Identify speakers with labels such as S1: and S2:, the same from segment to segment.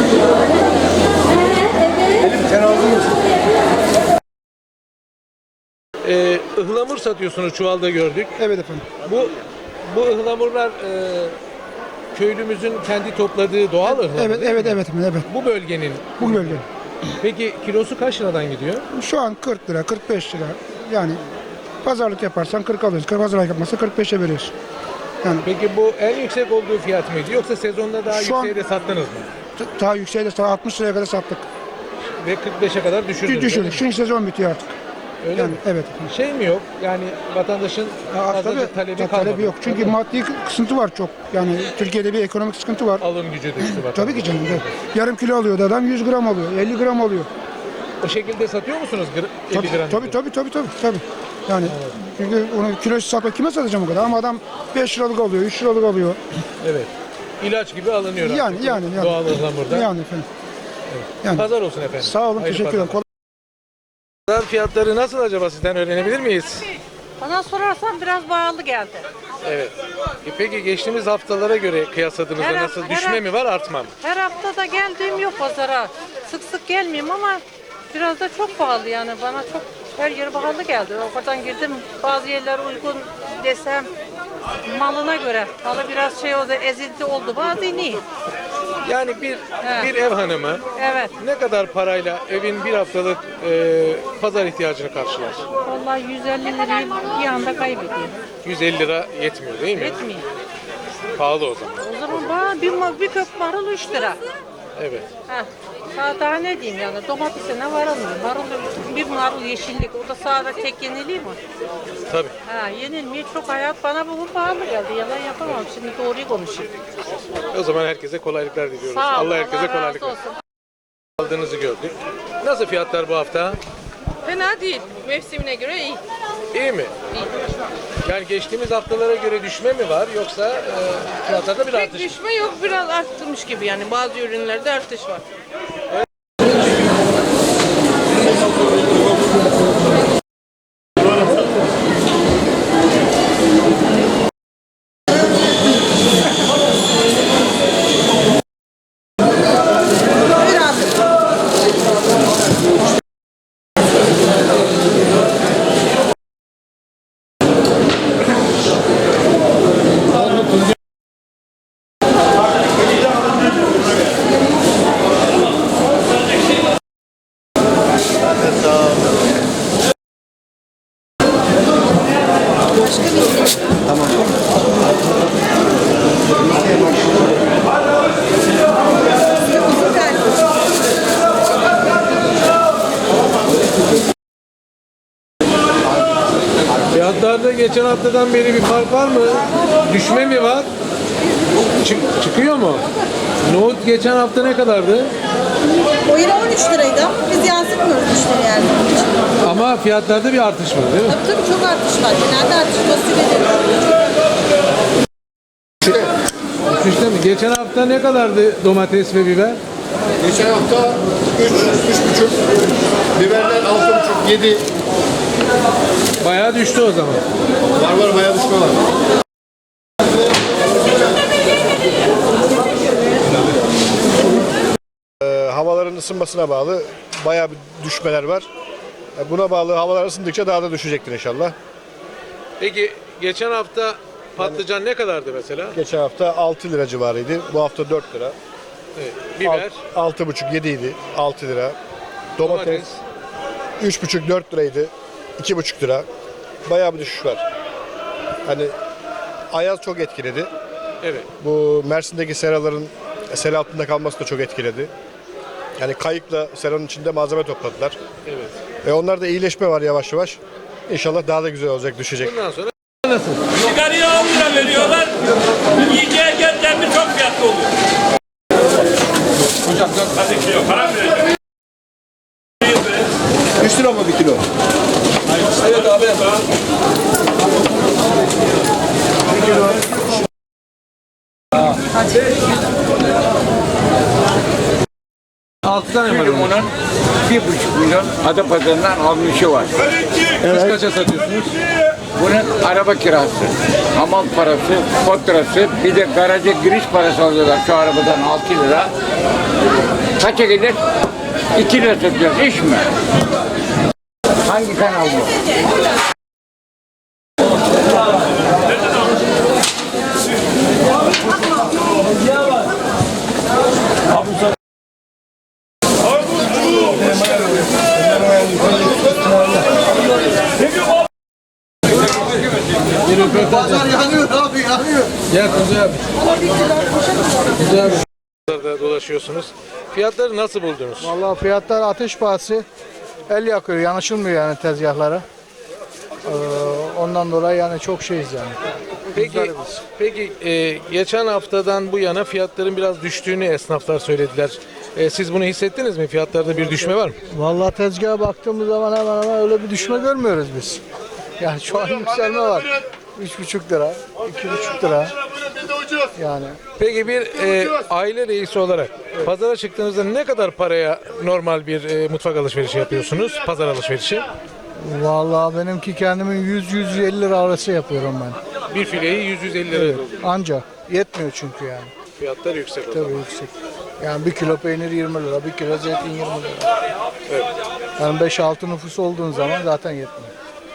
S1: Sen aldın mı?
S2: Ihlamur satıyorsunuz, çuvalda gördük.
S1: Evet efendim.
S2: Bu ıhlamurlar köylümüzün kendi topladığı doğal ıhlamur
S1: Evet,
S2: değil
S1: evet,
S2: mi?
S1: evet, evet.
S2: Bu bölgenin.
S1: Bu bölge.
S2: Peki kilosu kaç liradan gidiyor?
S1: Şu an 40 lira, 45 lira. Yani pazarlık yaparsan 40 alıyorsun. Pazarlık yapmazsan 45'e veriyorsun. Yani
S2: Peki bu en yüksek olduğu fiyat mıydı yoksa sezonda daha
S1: Şu an-
S2: yükseğe de sattınız mı?
S1: daha yükseğe de 60 liraya kadar sattık.
S2: Ve 45'e kadar düşürdünüz.
S1: Düşürdük. Şimdi sezon bitiyor artık.
S2: Öyle
S1: Yani
S2: mi?
S1: evet.
S2: Şey mi yok? Yani vatandaşın fazlaca talebi kalmadı.
S1: Talebi yok. Çünkü maddi kısıntı var çok. Yani Türkiye'de bir ekonomik sıkıntı var.
S2: Alım gücü düştü vatandaş.
S1: Tabii ki canım. Yarım kilo alıyordu adam 100 gram alıyor, 50 gram alıyor.
S2: O şekilde satıyor musunuz 50 gram?
S1: Tabii. Yani çünkü onu kilosu satmak kime satacağım o kadar? Ama adam 5 liralık alıyor, 3 liralık alıyor.
S2: Evet. İlaç gibi alınıyor
S1: Yani,
S2: artık.
S1: yani.
S2: Doğal ıhlamurdan.
S1: Yani efendim. Yani.
S2: Pazar olsun efendim.
S1: Sağ olun,
S2: Hayırlı
S1: teşekkür ederim.
S2: pazarlar. Pazar fiyatları nasıl acaba, sizden öğrenebilir miyiz?
S3: Bana sorarsan biraz pahalı geldi.
S2: Evet. Peki geçtiğimiz haftalara göre kıyasladığınızda
S3: Her
S2: nasıl,
S3: hafta-
S2: düşme
S3: her
S2: mi var, artma mı?
S3: Her hafta da geldiğim yok pazara. Sık sık gelmeyeyim ama biraz da çok pahalı yani. Bana çok her yer pahalı geldi. Oradan girdim, bazı yerler uygun desem malına göre. Malı biraz şey oldu, ezildi oldu. Bazı iyi.
S2: Yani bir ev hanımı
S3: Evet.
S2: ne kadar parayla evin bir haftalık pazar ihtiyacını karşılar?
S3: Vallahi 150 lirayı bir anda kaybediyor.
S2: 150 lira yetmiyor değil mi?
S3: Etmiyor.
S2: Pahalı o zaman.
S3: O zaman bana bir kök marul 3 lira.
S2: Evet.
S3: Heh. Daha ne diyeyim yani, domatese ne var almıyor. Bir marul yeşillik, o da sadece tek yeniliği mi?
S2: Tabii.
S3: Ha, yenilmiyor, çok hayat bana bugün pahalı geldi. Yalan yapamam, şimdi doğruyu konuşayım.
S2: O zaman herkese kolaylıklar diliyoruz.
S3: Sağ olun,
S2: Allah herkese
S3: Allah razı
S2: kolaylıklar.
S3: olsun.
S2: Aldığınızı gördük. Nasıl fiyatlar bu hafta?
S4: Fena değil. Mevsimine göre iyi.
S2: İyi mi? Yani geçtiğimiz haftalara göre düşme mi var yoksa fiyatlarda bir
S4: Pek
S2: artış mı?
S4: düşme yok. Biraz arttırmış gibi yani. Bazı ürünlerde artış var.
S2: Fiyatlarda geçen haftadan beri bir fark var mı? Düşme mi var? Çıkıyor mu? Nohut geçen hafta ne kadardı?
S5: O yine 13 liraydı. Biz yansıtmıyoruz müşteri yani.
S2: Ama fiyatlarda bir artış var değil mi?
S5: Tabii çok artış var. Genelde artış fasulye
S2: Düşüşte mi? Geçen hafta ne kadardı domates ve biber?
S6: Geçen hafta 3,5, biberler 6,5, 7.
S2: Bayağı düştü o zaman.
S6: Var bayağı düşme var. Havaların ısınmasına bağlı bayağı bir düşmeler var. Buna bağlı havalar ısındıkça daha da düşecektir inşallah.
S2: Peki geçen hafta patlıcan ne kadardı mesela?
S6: Geçen hafta 6 lira civarıydı. Bu hafta 4 lira.
S2: Evet. Biber,
S6: 6,5, 7 idi. 6 lira. Domates 3,5, 4 liraydı. 2,5 lira. Bayağı bir düşüş var. Hani ayaz çok etkiledi.
S2: evet.
S6: Bu Mersin'deki seraların sel altında kalması da çok etkiledi. Yani kayıkla seranın içinde malzeme topladılar.
S2: Evet.
S6: Onlarda da iyileşme var yavaş yavaş. İnşallah daha da güzel olacak, düşecek.
S2: Bundan sonra nasıl?
S7: Sigaraya 10 lira veriyorlar. Yiyeceğe gelden mi çok fiyatlı oluyor. Hocam hadi kilo para mı vereceksin?
S6: 3 lira mı bir kilo?
S7: Evet abi.
S2: Altı tane var.
S7: Limonun 1,5 milyon Adapazarı'ndan almışı var.
S2: Siz kaça satıyorsunuz?
S8: Bunun araba kirası, hamam parası, faturası, bir de garaja giriş parası alıyorlar şu arabadan 6 lira. Kaça gelir? 2 lira satıyoruz. İş mi? Hangi kanal bu?
S2: Pazar yanıyor abi, yanıyor. Gel Kuzey abi. Kuzey abi. Pazarda dolaşıyorsunuz. Fiyatları nasıl buldunuz?
S9: Vallahi fiyatlar ateş pahası. El yakıyor, yanaşılmıyor yani tezgahlara. Ondan dolayı yani çok şeyiz yani.
S2: Peki geçen haftadan bu yana fiyatların biraz düştüğünü esnaflar söylediler. Siz bunu hissettiniz mi? Fiyatlarda bir düşme var mı?
S9: Vallahi tezgaha baktığımız zaman hemen hemen öyle bir düşme görmüyoruz biz. Yani şu an yükselme var. 3,5 lira, 2,5 lira. Yani.
S2: Peki bir aile reisi olarak pazara çıktığınızda ne kadar paraya normal bir mutfak alışverişi yapıyorsunuz? Pazar alışverişi?
S9: Vallahi benimki kendimin 100-150 lira arası yapıyorum ben.
S2: Bir fileyi 100-150 lira.
S9: Evet, ancak yetmiyor çünkü yani.
S2: Fiyatlar yüksek.
S9: Tabii yüksek. Yani 1 kilo peynir 20 lira, 1 kilo zeytin 20 lira.
S2: Evet.
S9: Yani 5-6 nüfus olduğun zaman zaten yetmiyor.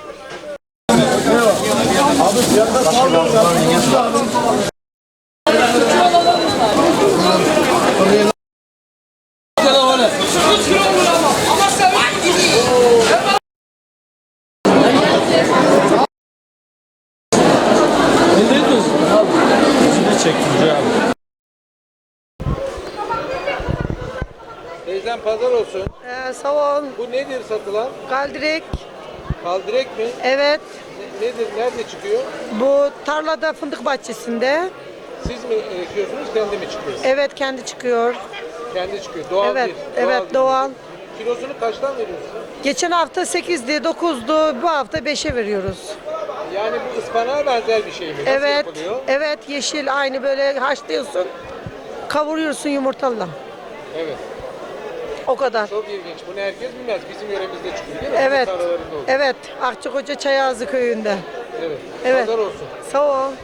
S2: Teyzem pazar olsun.
S5: Sağ ol.
S2: Bu nedir satılan?
S5: Kaldirek.
S2: Kaldırek mi?
S5: Evet.
S2: Nedir? Nerede çıkıyor?
S5: Bu tarlada fındık bahçesinde.
S2: Siz mi ekiyorsunuz, kendi mi çıkıyor?
S5: Evet kendi çıkıyor.
S2: Kendi çıkıyor. Doğal
S5: Evet.
S2: değil.
S5: Evet
S2: değil.
S5: doğal.
S2: Kilosunu kaçtan veriyorsunuz?
S5: Geçen hafta 8'di, 9'du. Bu hafta 5'e veriyoruz.
S2: Yani bu ıspanağa benzer bir şey mi? Nasıl
S5: Evet.
S2: yapılıyor?
S5: Evet yeşil aynı böyle haşlıyorsun. Kavuruyorsun yumurtalı.
S2: Evet.
S5: O kadar.
S2: Çok ilginç. Bunu herkes bilmez. Bizim yöremizde çıkıyor değil mi?
S5: Evet.
S2: Bu tarlalarında olur.
S5: Evet. Akçakoca Çayazı köyünde.
S2: Evet.
S5: Evet.
S2: Pazar olsun.
S5: Sağ ol.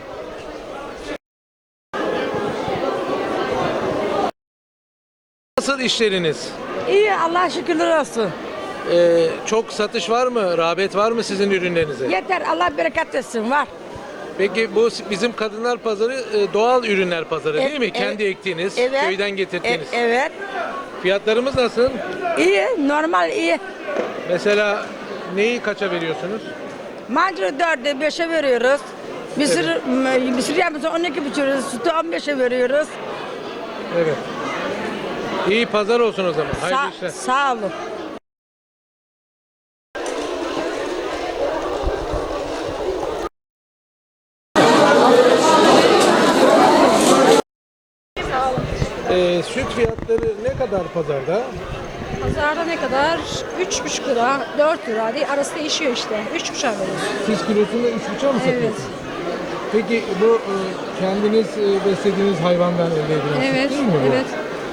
S2: Nasıl işleriniz?
S10: İyi Allah şükürler olsun.
S2: Çok satış var mı? Rağbet var mı sizin ürünlerinize?
S10: Yeter Allah bereket versin var.
S2: Peki bu bizim kadınlar pazarı doğal ürünler pazarı değil mi?
S10: Evet,
S2: Kendi ektiğiniz, köyden getirdiğiniz.
S10: Evet.
S2: Fiyatlarımız nasıl?
S10: İyi normal iyi.
S2: Mesela neyi kaça veriyorsunuz?
S10: Mancını 4'e 5'e veriyoruz. Mısır yağımızı 12 biçiyoruz. Sütü 15'e veriyoruz.
S2: Evet. İyi pazar olsun o zaman. Hayırlı işler.
S10: Sağ olun.
S2: Süt fiyatları ne kadar pazarda?
S11: Pazarda ne kadar? 3,5 lira, 4 lira değil, arası değişiyor işte. 3,5'a veriyoruz.
S2: Siz kilosunu 3,5'a mı satıyorsunuz?
S11: Evet.
S2: Peki bu kendiniz beslediğiniz hayvandan elde edilen
S11: Evet,
S2: süt değil mi bu?
S11: evet.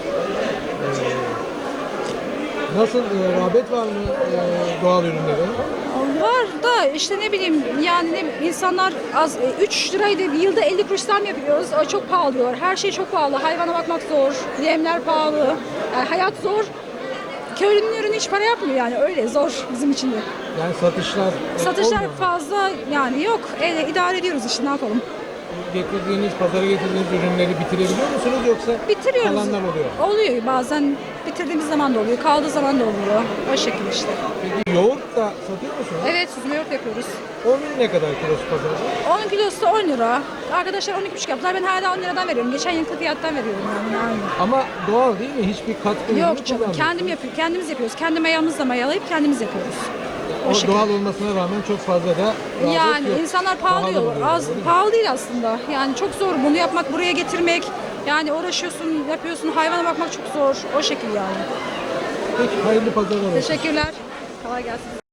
S2: Nasıl rağbet var mı doğal ürünlere?
S11: Var da işte ne bileyim yani insanlar az 3 liraydı yılda 50 kuruş zam yapıyoruz. O çok pahalı diyor. Her şey çok pahalı. Hayvana bakmak zor. Yemler pahalı. Yani hayat zor. Köylünün ürünü hiç para yapmıyor yani öyle zor bizim için de.
S2: Yani satışlar
S11: Satışlar
S2: olmuyor mu?
S11: fazla yani yok. İdare ediyoruz işte ne yapalım.
S2: Pazara getirdiğiniz ürünleri bitirebiliyor musunuz yoksa
S11: Bitiriyoruz.
S2: kalanlar oluyor?
S11: Oluyor bazen bitirdiğimiz zaman da oluyor, kaldığı zaman da oluyor. O şekilde işte.
S2: Peki yoğurt da satıyor musunuz?
S11: Evet, süzme yoğurt yapıyoruz.
S2: Onun ne kadar kilosu pazarda?
S11: 10 kilosu 10 lira. Arkadaşlar 12,5 yaptılar. Ben hala 10 liradan veriyorum. Geçen yılki fiyattan veriyorum yani aynı.
S2: Ama doğal değil mi? Hiçbir katkı ürünü
S11: Yok canım,
S2: kullanmıyor.
S11: kendim yapıyorum. Kendimiz yapıyoruz. Kendi mayamızla mayalayıp kendimiz yapıyoruz.
S2: O
S11: şekilde.
S2: doğal olmasına rağmen çok fazla da rağbet
S11: Yani
S2: yok.
S11: insanlar
S2: Pahalı
S11: pahalı diyor.
S2: buluyor,
S11: Az
S2: öyle mi?
S11: pahalı değil aslında. Yani çok zor bunu yapmak, buraya getirmek. Yani uğraşıyorsun, yapıyorsun. Hayvana bakmak çok zor. O şekilde yani.
S2: Peki hayırlı pazarlar olsun.
S11: Teşekkürler. Kolay gelsin.